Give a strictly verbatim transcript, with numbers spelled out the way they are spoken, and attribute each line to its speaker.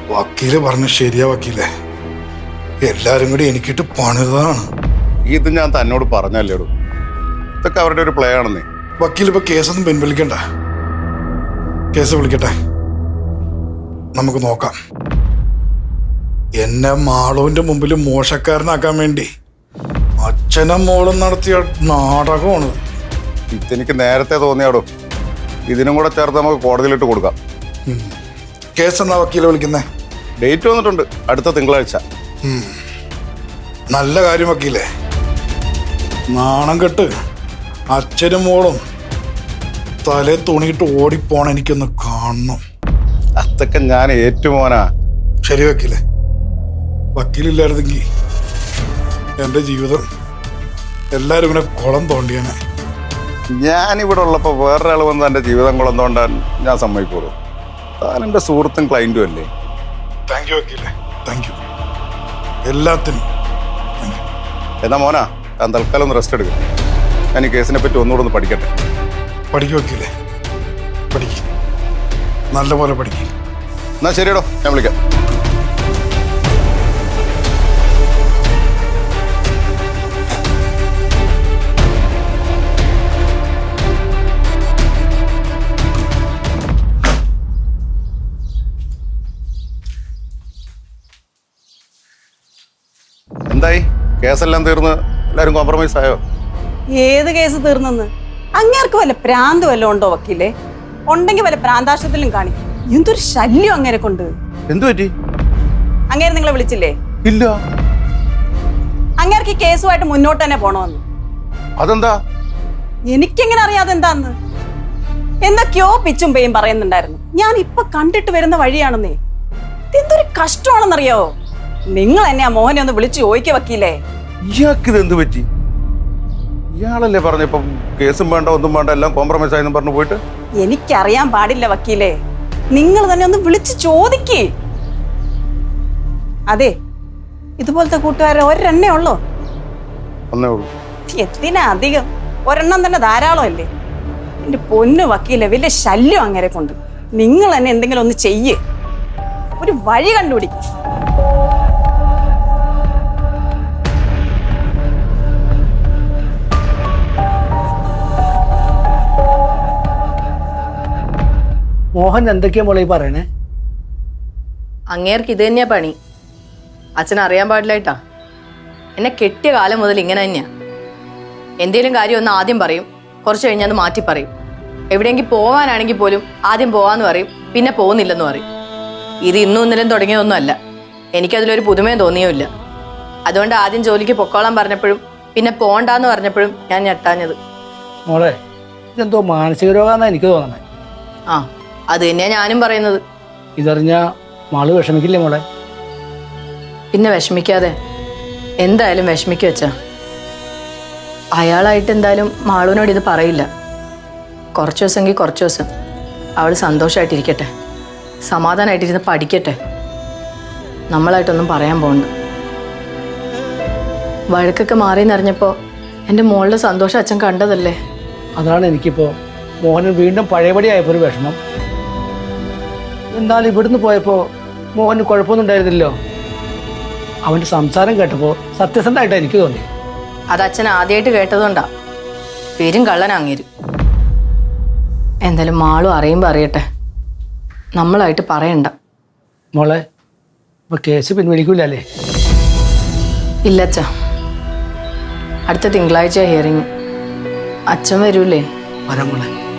Speaker 1: വക്കീല് പറഞ്ഞ ശരിയാ വക്കീലേ. എല്ലാരും കൂടി എനിക്കിട്ട് പണിതാണ്.
Speaker 2: ഇത് ഞാൻ തന്നോട് പറഞ്ഞല്ലേടൂ, ഇതൊക്കെ അവരുടെ ഒരു പ്ലേ ആണെന്നേ.
Speaker 1: വക്കീൽ ഇപ്പൊ കേസൊന്നും പിൻവലിക്കണ്ട. കേസ് വിളിക്കട്ടെ, നമുക്ക് നോക്കാം. എന്നെ മാളുവിന്റെ മുമ്പിൽ മോശക്കാരനാക്കാൻ വേണ്ടി അച്ഛനും മോളും നടത്തിയ നാടകമാണ്.
Speaker 2: ഇതെനിക്ക് നേരത്തെ തോന്നിയാടോ. ഇതിനും കൂടെ ചേർത്ത് നമുക്ക് കോടതിയിലിട്ട് കൊടുക്കാം.
Speaker 1: കേസ് എന്നാ വക്കീലെ വിളിക്കുന്നേ?
Speaker 2: ഡേറ്റ് വന്നിട്ടുണ്ട്, അടുത്ത തിങ്കളാഴ്ച.
Speaker 1: നല്ല കാര്യം വക്കീലേ. നാണം കെട്ട് അച്ഛനും മോളും തലേ തുണിയിട്ട് ഓടിപ്പോണ എനിക്കൊന്ന് കാണണം.
Speaker 2: അതൊക്കെ ഞാൻ ഏറ്റുമോനാ.
Speaker 1: ശരി വക്കീലെ, വക്കീലില്ലായിരുന്നെങ്കിൽ എൻ്റെ ജീവിതം എല്ലാവരും ഇങ്ങനെ കുളം തോണ്ടിയാനെ.
Speaker 2: ഞാനിവിടെ ഉള്ളപ്പോൾ വേറൊരാൾ വന്ന് എൻ്റെ ജീവിതം കുളം തോണ്ടാൻ ഞാൻ സമ്മതിക്കുള്ളൂ. താൻ എൻ്റെ സുഹൃത്തും ക്ലൈൻറ്റും അല്ലേ.
Speaker 1: താങ്ക് യു വക്കീലെ, താങ്ക് യു എല്ലാത്തിനും.
Speaker 2: എന്നാ മോനാ, ഞാൻ തൽക്കാലം ഒന്ന് റെസ്റ്റ് എടുക്കും. ഞാൻ ഈ കേസിനെ പറ്റി ഒന്നുകൂടെ ഒന്ന് പഠിക്കട്ടെ.
Speaker 1: പഠിക്കും വക്കീലെ, പഠിക്കും, നല്ലപോലെ പഠിക്കും.
Speaker 2: എന്നാ ശരിയടോ, ഞാൻ വിളിക്കാം. എന്തായി, കേസെല്ലാം തീർന്ന് എല്ലാവരും കോംപ്രമൈസ് ആയോ?
Speaker 3: ഏത് കേസ് തീർന്നെന്ന്? അങ്ങേർക്ക് വല്ല പ്രാന്ത് വല്ലതും ഉണ്ടോ വക്കീലെ? ഉണ്ടെങ്കിൽ വല്ല പ്രാന്താശത്തിലും കാണിക്കും. എന്തൊരു ശല്യം അങ്ങേരെ കൊണ്ട്.
Speaker 2: എന്തു പറ്റി?
Speaker 3: അങ്ങേരെ നിങ്ങളെ വിളിച്ചില്ലേ?
Speaker 2: ഇല്ല.
Speaker 3: അങ്ങേർക്ക് ഈ കേസുമായിട്ട് മുന്നോട്ട് തന്നെ പോണോന്ന്.
Speaker 2: അതെന്താ?
Speaker 3: എനിക്കെങ്ങനെ അറിയാതെ എന്താന്ന്? എന്തൊക്കെയോ പിച്ചും പേയും പറയുന്നുണ്ടായിരുന്നു. ഞാൻ ഇപ്പൊ കണ്ടിട്ട് വരുന്ന വഴിയാണെന്നേ. എന്തൊരു കഷ്ടമാണെന്നറിയാവോ? നിങ്ങൾ എന്നെ ആ മോഹനെ ഒന്ന് വിളിച്ചു ചോദിക്ക വക്കീലേ.
Speaker 2: ഇയാൾക്കിത് എന്ത് പറ്റി? ഇയാളല്ലേ പറഞ്ഞപ്പം കേസും വേണ്ട ഒന്നും വേണ്ട എല്ലാം കോംപ്രമൈസ് ആയെന്ന് പറഞ്ഞു പോയിട്ട്.
Speaker 3: എനിക്കറിയാൻ പാടില്ല വക്കീലേ, നിങ്ങൾ തന്നെ ഒന്ന് വിളിച്ച് ചോദിക്കേ. അതെ, ഇതുപോലത്തെ കൂട്ടുകാരെ ഒരെണ്ണേ ഉള്ളോ?
Speaker 2: ഒന്നേ ഉള്ളൂ.
Speaker 3: എത്തിനാ അധികം? ഒരെണ്ണം തന്നെ ധാരാളം അല്ലേ? എന്റെ പൊന്നു വക്കീലെ, വലിയ ശല്യം അങ്ങനെ കൊണ്ട്. നിങ്ങൾ തന്നെ എന്തെങ്കിലും ഒന്ന് ചെയ്യേ, ഒരു വഴി കണ്ടുപിടിക്കും.
Speaker 4: മോഹൻ എന്തൊക്കെയാ മോളെ ഈ പറയണേ?
Speaker 5: അങ്ങേർക്ക് ഇത് തന്നെയാ പണി. അച്ഛൻ അറിയാൻ പാടില്ലായിട്ടാ. എന്നെ കെട്ടിയ കാലം മുതൽ ഇങ്ങനെ തന്നെയാ. എന്തേലും കാര്യം ഒന്ന് ആദ്യം പറയും, കുറച്ച് കഴിഞ്ഞാൽ അത് മാറ്റി പറയും. എവിടെയെങ്കിൽ പോവാനാണെങ്കിൽ പോലും ആദ്യം പോവാന്ന് പറയും, പിന്നെ പോകുന്നില്ലെന്ന് പറയും. ഇത് ഇന്നും ഇന്നലും തുടങ്ങിയതൊന്നും അല്ല. എനിക്കതിലൊരു പുതുമയും തോന്നിയുമില്ല. അതുകൊണ്ട് ആദ്യം ജോലിക്ക് പൊക്കോളാൻ പറഞ്ഞപ്പോഴും പിന്നെ പോണ്ടാന്ന് പറഞ്ഞപ്പോഴും ഞാൻ ഞെട്ടാഞ്ഞത്.
Speaker 4: മോളെ, ഇതെന്തോ മാനസിക രോഗമാണെന്നാ എനിക്ക് തോന്നണേ.
Speaker 5: ആ, അത് തന്നെയാ ഞാനും പറയുന്നത്.
Speaker 4: ഇതറിഞ്ഞാ മാള് വിഷമിക്കില്ലേ മോളെ?
Speaker 5: പിന്നെ വിഷമിക്കാതെ, എന്തായാലും വിഷമിക്കുക വെച്ചാ. അയാളായിട്ട് എന്തായാലും മാളുവിനോട് ഇത് പറയില്ല. കുറച്ച് ദിവസമെങ്കിൽ കുറച്ച് ദിവസം അവൾ സന്തോഷമായിട്ടിരിക്കട്ടെ, സമാധാനമായിട്ടിരുന്ന് പഠിക്കട്ടെ. നമ്മളായിട്ടൊന്നും പറയാൻ പോകണ്ട. വഴക്കൊക്കെ മാറിയെന്നറിഞ്ഞപ്പോൾ എൻ്റെ മോളുടെ സന്തോഷം അച്ഛൻ കണ്ടതല്ലേ.
Speaker 4: അതാണ് എനിക്കിപ്പോൾ മോഹന് വീണ്ടും പഴയപടി ആയപ്പോൾ ഒരു വിഷമം. എന്നാൽ ഇവിടുന്ന് പോയപ്പോൾ മോഹന് കുഴപ്പമൊന്നും ഉണ്ടായിരുന്നില്ലോ. അവൻ്റെ സംസാരം കേട്ടപ്പോൾ സത്യസന്ധമായിട്ടാണ് എനിക്ക് തോന്നി.
Speaker 5: അത് അച്ഛൻ ആദ്യമായിട്ട് കേട്ടതുകൊണ്ടാ. പേരും കള്ളനാങ്ങേരും. എന്തായാലും മാളും അറിയുമ്പോൾ അറിയട്ടെ, നമ്മളായിട്ട് പറയണ്ട.
Speaker 4: മോളെ, ഇപ്പോൾ കേസ് പിൻവലിക്കൂലേ?
Speaker 5: ഇല്ല അച്ഛാ, അടുത്ത തിങ്കളാഴ്ച ഹിയറിങ്. അച്ഛൻ വരൂലേ?
Speaker 4: വരാം മോളെ.